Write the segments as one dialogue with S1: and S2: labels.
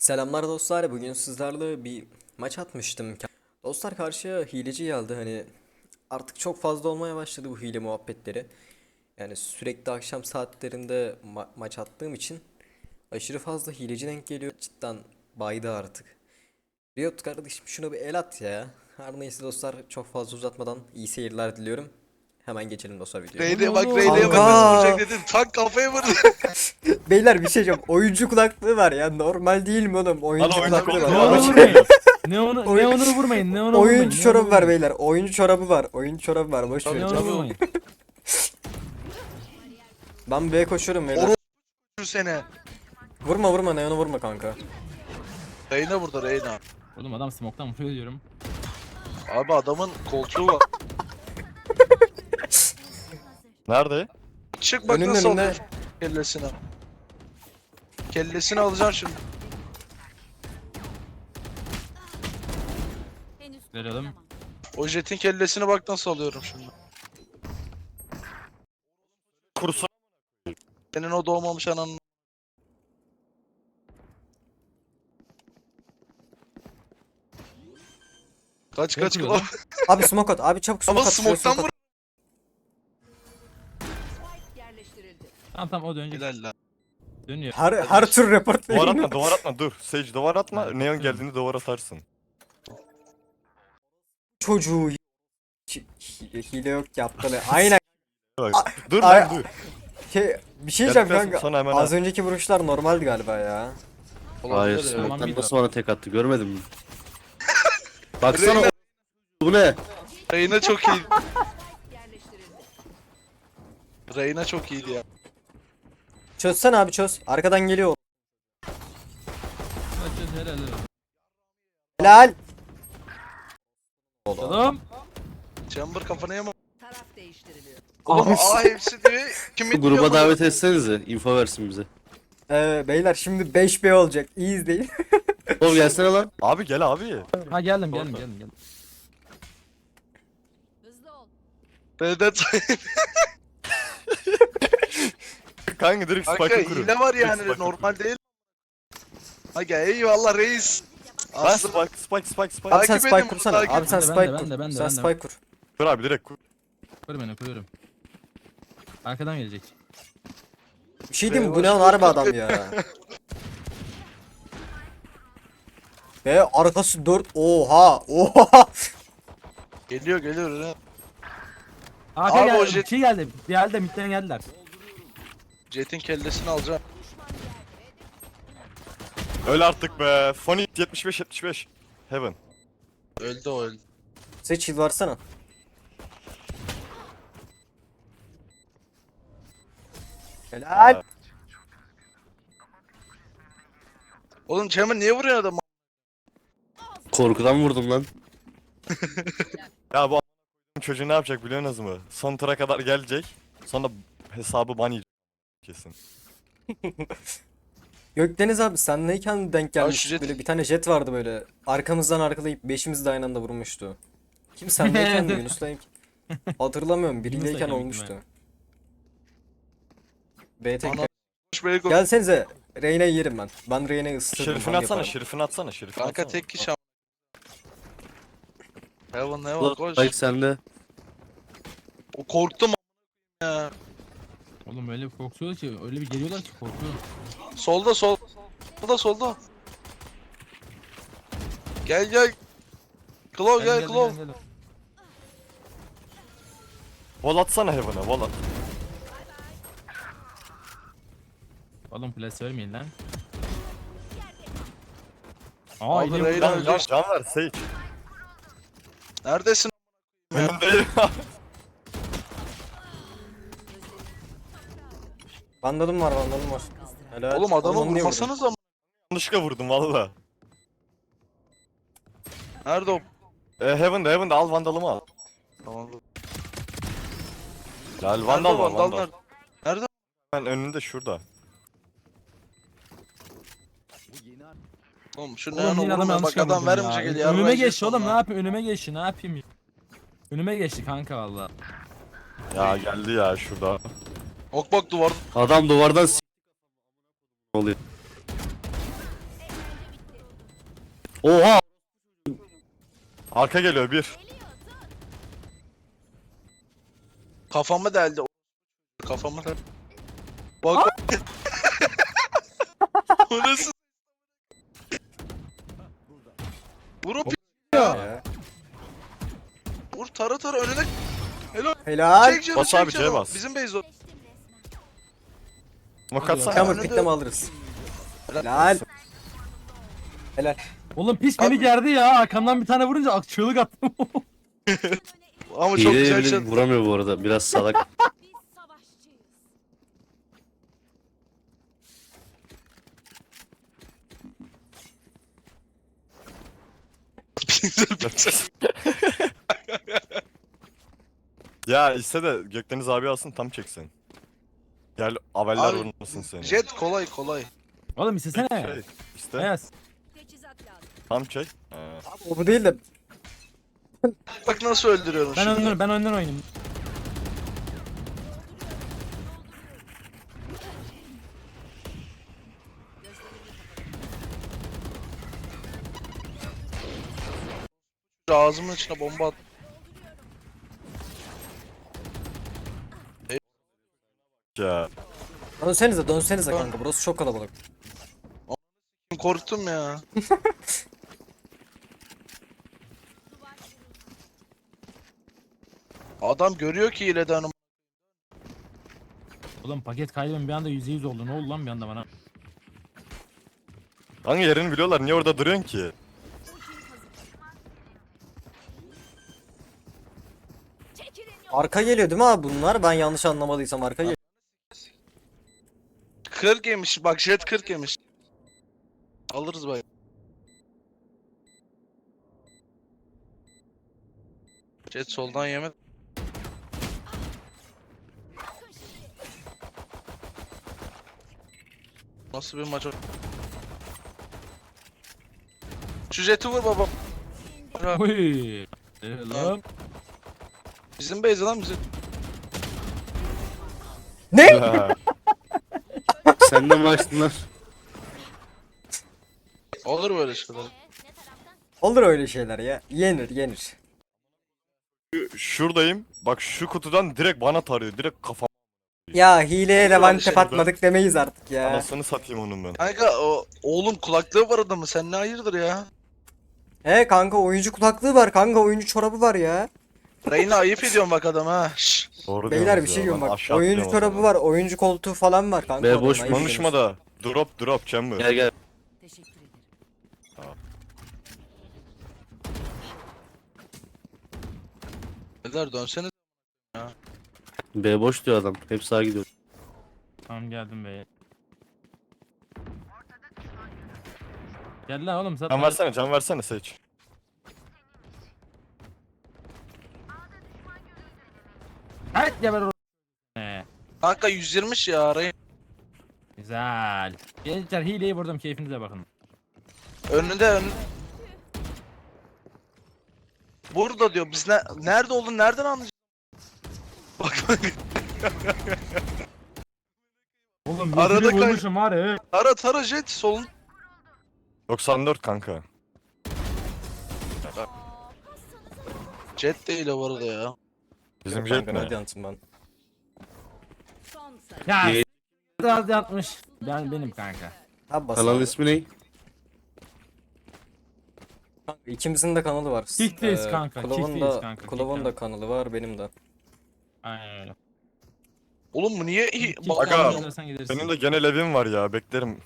S1: Selamlar dostlar. Bugün sizlerle bir maç atmıştım. Dostlar karşıya hileci geldi. Hani artık çok fazla olmaya başladı bu hile muhabbetleri. Yani sürekli akşam saatlerinde maç attığım için aşırı fazla hileci denk geliyor. Cidden baydı artık. Riot kardeşim şunu bir el at ya. Her neyse dostlar çok fazla uzatmadan iyi seyirler diliyorum. Hemen geçelim dostlar videoya.
S2: Reyne'ye bak,
S3: Oğlum,
S2: Reyne'ye bak,
S1: Kanka.
S2: nasıl vuracak dedim. Tak kafaya vurdu.
S1: Beyler bir şey diyeceğim. Oyuncu kulaklığı var ya. Normal değil mi oğlum? Oyuncu
S2: oyuncu
S1: kulaklığı
S2: kulaklığı
S1: var.
S2: var.
S3: Neon'u vurmayın. Neon'u vurmayın. Neon'u vurmayın.
S1: Oyuncu çorabı var beyler. Oyuncu çorabı var. Oyuncu çorabı var. Boş ver.
S3: Neon'u vurmayın.
S1: Ben B'ye koşuyorum beyler.
S2: Vurur seni.
S1: Vurma vurma Neon'u vurma kanka.
S2: Reyne burada, Reyne.
S3: Oğlum adam smoke'tan vuruyor diyorum.
S2: Abi adamın koltuğu var.
S4: Nerede?
S2: Çık bak
S1: Önünde,
S2: nasıl
S1: önünde.
S2: alıyor kellesini. Kellesini alacaksın şimdi.
S3: Verelim.
S2: O jetin kellesini bak nasıl alıyorum şimdi.
S4: Kursu.
S2: Senin o doğmamış ananın. Kaç kaç
S3: Yapıyor
S2: kilo.
S3: lan.
S1: Abi smoke at. Abi çabuk smoke
S2: Ama
S1: at. şuraya
S2: smoke'tan
S1: smoke
S2: vur.
S1: at.
S3: Tamam o dönecek.
S2: Helal lan.
S3: Dönüyor.
S1: Her tür report
S4: Duvar
S1: verin.
S4: atma, duvar atma, dur. Sage duvar atma.
S3: Ha,
S4: Neon
S3: hı.
S4: geldiğinde duvar atarsın.
S1: Çocuğu. Hile yok yaptı. Aynen.
S4: Bak, dur
S1: ay-
S4: lan dur.
S1: Bir şey diyeceğim
S4: Geldikten
S1: kanka.
S4: sonra hemen
S1: Az
S4: at.
S1: önceki vuruşlar normaldi galiba ya.
S2: Olabilir
S5: Hayır,
S2: ya.
S3: Tamam,
S5: smoke'tan
S3: bir
S5: nasıl bana tek attı görmedin mi? Baksana
S2: Reyna-
S5: bu ne?
S2: Reyne çok iyi. Reyne çok iyiydi ya.
S1: Çözsene abi çöz. Arkadan geliyor.
S3: Kaçıyoruz helal helal.
S1: Helal.
S3: Oğlum.
S2: Chamber kafana yama.
S6: Taraf değiştiriliyor.
S2: Oğlum
S1: Abi.
S2: aa hepsi diyor. Kim
S5: Bu
S2: bitmiyor
S5: gruba
S2: bu?
S5: davet etsenize, info versin bize.
S1: Beyler şimdi 5B olacak. İyi izleyin.
S5: Oğlum gelsene lan.
S4: Abi gel abi.
S3: Ha geldim.
S6: Hızlı ol.
S2: Vedat.
S4: Kanka direkt
S2: Kanka
S4: spike'ı kurun.
S2: hile var
S4: Direkt
S2: yani
S4: spike'ı
S2: normal değil. Aga eyvallah reis.
S4: Ben
S2: Aslında
S4: spike.
S1: Abi sen
S2: Takip
S1: spike
S2: edin,
S1: kursana.
S2: takip
S1: Abi sen
S3: edin.
S1: spike
S3: Ben
S1: kur.
S3: de, ben de,
S1: Sen
S3: ben de.
S1: spike kur.
S4: Kur abi direkt kur.
S3: Koru beni koruyorum. Arkadan gelecek.
S1: Bir şey diyeyim mi? Bu
S2: Eyvah,
S1: ne
S2: şu
S1: harbi
S2: korkak-
S1: adam ya. Ve arkası 4. Oha.
S2: geliyor öyle.
S3: Arka
S2: Abi o
S3: geldi.
S2: jet-
S3: Şey geldi. Geldi midden geldiler.
S2: Jet'in kellesini alacağım.
S4: Öl artık be. Funny 75. Heaven.
S2: Öldü o öldü.
S1: Seç heal varsana. Helal.
S2: Oğlum Chamber niye vuruyor adamı?
S5: Korkudan vurdum lan.
S4: Ya bu çocuğu ne yapacak biliyorsunuz mu? Son tura kadar gelecek. Sonra hesabı ban yiyecek kesin.
S1: Gökdeniz abi senleyken denk
S2: Ya
S1: gelmiş.
S2: şu jet-
S1: Böyle bir tane jet vardı böyle. Arkamızdan arkalayıp beşimiz de aynı anda vurmuştu. Kim senleyken mi Yunus'tayken? Hatırlamıyorum. Biriyleyken
S3: Yunus'tayken büyük
S1: olmuştu. B tek.
S2: Ana- Böyle go-
S1: Gelsenize. Reyna'yı yerim ben. Ben Reyna'yı ısıtırım.
S4: Şerifini
S1: bang
S4: atsana,
S1: yaparım.
S4: şerifini atsana, şerifini
S2: Kanka
S4: atsana.
S2: tek kişi am- Heaven
S5: Ulan
S2: koş.
S5: Spike sende.
S2: O korktum a- ya.
S3: Oğlum öyle bir korkuyor ki öyle bir geliyorlar ki korkuyor.
S2: Solda. Gel. Claw gel Claw.
S4: Wall atsana Heaven'a, wall at.
S3: Oğlum flash vermeyin lan. Aa
S2: Abi
S3: yine
S2: Reyna
S3: vurdu.
S2: öldü.
S4: Can ver Sage.
S2: Neredesin?
S4: Önündeyim.
S1: Vandalım var. Helal.
S2: Oğlum adamı
S1: Onu niye vurdun?
S2: vurmasanız ama.
S4: Yanlışlıkla vurdum valla.
S2: Nerede o?
S4: Heaven'da al vandalımı al.
S2: Tamam.
S4: Lal vandal var vandal.
S2: Nerede? Nerede?
S4: Ben önünde şurada.
S2: Oğlum şu
S3: Oğlum
S2: ne
S3: yine adam
S2: vurma bak
S3: yanlışlıkla
S2: adam
S3: vurdum
S2: vermeyecek
S3: ya.
S2: el ya.
S3: Önüme geçti oğlum ne yapayım ne yapayım. Önüme geçti kanka valla.
S4: Ya geldi ya şurada.
S2: Ok bak duvar.
S5: Adam duvardan oluyor. Oha!
S4: Arka geliyor bir.
S2: Kafamı deldi. Kafamı deldi. Bak bak. O nasıl? Vur o
S1: Ya.
S2: Vur tara tara önüne.
S1: Helal.
S2: Çek canı
S4: Bas
S2: çek
S4: abi,
S2: canı.
S4: C'ye bas.
S2: Bizim base o.
S4: Smoke atsana.
S1: Kamur pikleme alırız. Helal. Helal.
S3: Oğlum pis beni gerdi ya. Arkamdan bir tane vurunca çığlık attım.
S2: Ama çok
S5: Hileye
S2: güzel
S5: bile
S2: şey.
S5: vuramıyor bu arada. Biraz salak.
S6: Biz savaşçıyız.
S4: Ya iste de Gökdeniz abi alsın tam çeksin. Gel aveller
S2: Abi,
S4: vurmasın seni.
S2: Jet kolay kolay.
S3: Oğlum istesene.
S4: Şey, işte
S3: Ayaz.
S6: Teçhizat lazım.
S4: tam çek.
S1: O bu değil de.
S2: Bak nasıl öldürüyorum
S3: Ben
S2: şimdi.
S3: önden oynayayım.
S2: Ağzımın içine bomba at.
S4: Ya.
S1: Dönsenize kanka. Burası çok kalabalık.
S2: Korktum ya. Adam görüyor ki hileden.
S3: Oğlum paket kaybım bir anda %100 oldu. Ne oldu lan bir anda bana?
S4: Hangi yerini biliyorlar? Niye orada duruyorsun ki?
S6: Çekilin yol.
S1: Arka geliyor değil mi abi bunlar? Ben yanlış anlamadıysam arka geliyor.
S2: 40 yemiş. Bak Jet 40 yemiş. Alırız bay. Jet soldan yemedi. Nasıl bir maç o? Şu Jet'i vur baba.
S3: Oy. Lan.
S2: Bizim base lan bizim.
S1: Ne?
S4: Ha.
S5: Sen de mi açtın lan?
S2: Olur böyle şeyler.
S1: Olur öyle şeyler ya. Yenir.
S4: Şuradayım. Bak şu kutudan direkt bana tarıyor. Direkt kafam.
S1: Ya hileye de
S2: Olur
S1: one
S2: öyle
S1: tap
S2: şeyler.
S1: atmadık demeyiz artık ya.
S4: Anasını satayım onun ben.
S2: Kanka o oğlum kulaklığı var adamın. Sen ne hayırdır ya?
S1: He kanka oyuncu kulaklığı var kanka oyuncu çorabı var ya.
S2: Reyna ayıp ediyorsun bak adam ha. Şşş.
S4: Doğru
S1: Beyler
S4: diyorsunuz
S1: bir şey
S4: ya,
S1: diyorum
S4: ben
S1: bak.
S4: aşağı
S1: Oyuncu
S4: atlıyorum o
S1: çorabı
S4: zaman.
S1: var, oyuncu koltuğu falan var kanka.
S5: Be, boş
S1: adamın, ayıp
S4: Konuşma
S1: ediyorsun.
S4: da. Drop chamber.
S5: Gel gel.
S6: Teşekkür ederim.
S2: Beyler dönsene.
S5: B boş diyor adam. Hep sağa gidiyor.
S3: Tamam geldim be. Gel lan oğlum
S4: Can versene, can versene seç.
S3: Evet geber o.
S2: Kanka 120 ya Reyna.
S3: Güzel. Gençler hileyi vurdum keyfinize bakın.
S2: Önünde. Burada diyor biz nerede olduğunu nereden anlayacağız? Bak bak.
S3: Oğlum
S2: Arada
S3: Arada
S2: kay-
S3: vurmuşum var ya.
S2: Tara Jet solun.
S4: 94 kanka.
S2: Jet değil o bu arada ya.
S4: Bizim
S1: Kanka,
S4: jet
S1: ne
S4: ne?
S1: diyorsun ben?
S6: Son sayı.
S3: Ya
S5: İyi.
S3: biraz yatmış. Benim kanka.
S1: Abi bas
S5: Kanalın
S1: abi.
S5: ismi ne?
S1: Kanka, İkimizin de kanalı var.
S3: Kickteyiz kanka,
S1: Kulav'ın
S3: kickteyiz
S1: da,
S3: kanka,
S1: Kulav'ın
S3: kick
S1: da kanalı var benim de.
S3: Aynen öyle.
S2: Oğlum bu niye
S3: Kick
S4: Aga,
S3: down edersen gidersin.
S4: Benim de genel evim var ya, beklerim.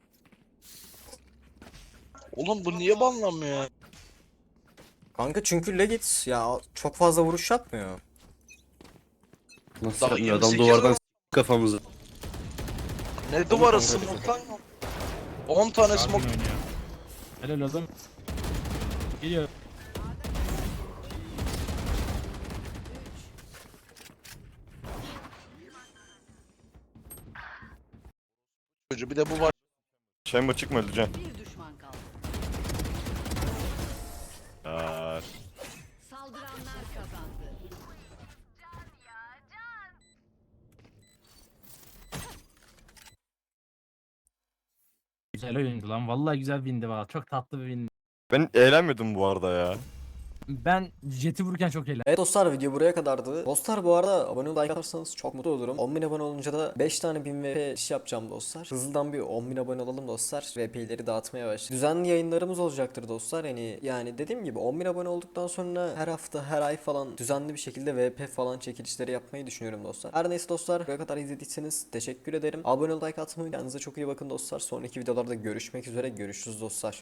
S2: Oğlum bu niye banlanmıyor ya?
S1: Kanka çünkü Legit ya çok fazla vuruş yapmıyor.
S5: Nasıl
S2: Daha
S5: yapmıyor? Adam
S2: 28
S5: duvardan
S2: var.
S5: kafamızı.
S2: Ne duvarı
S1: kanka,
S2: smoke lan? 10 tane
S3: Harbi
S2: smoke.
S3: oynuyor. Helal oğlum. Geliyor.
S2: Çocuğu bir de bu var.
S4: Chamber çıkma, öleceğim.
S6: Bir düşman kaldı.
S4: Ya.
S6: Saldıranlar kazandı.
S3: Güzel oyundu lan. Vallahi güzel windi valla. Çok tatlı bir win.
S4: Ben eğlenmedim bu arada ya.
S3: Ben jeti vururken çok eğlendim.
S1: Evet dostlar, video buraya kadardı. Dostlar bu arada abone olup like atarsanız çok mutlu olurum. 10.000 abone olunca da 5 tane 1000 VP iş yapacağım dostlar. Hızlıdan bir 10.000 abone olalım dostlar. VP'leri dağıtmaya başlayalım. Düzenli yayınlarımız olacaktır dostlar. Yani dediğim gibi 10.000 abone olduktan sonra her hafta her ay falan düzenli bir şekilde VP falan çekilişleri yapmayı düşünüyorum dostlar. Her neyse dostlar, buraya kadar izlediyseniz teşekkür ederim. Abone ol, like atmayı, kendinize çok iyi bakın dostlar. Sonraki videolarda görüşmek üzere. Görüşürüz dostlar.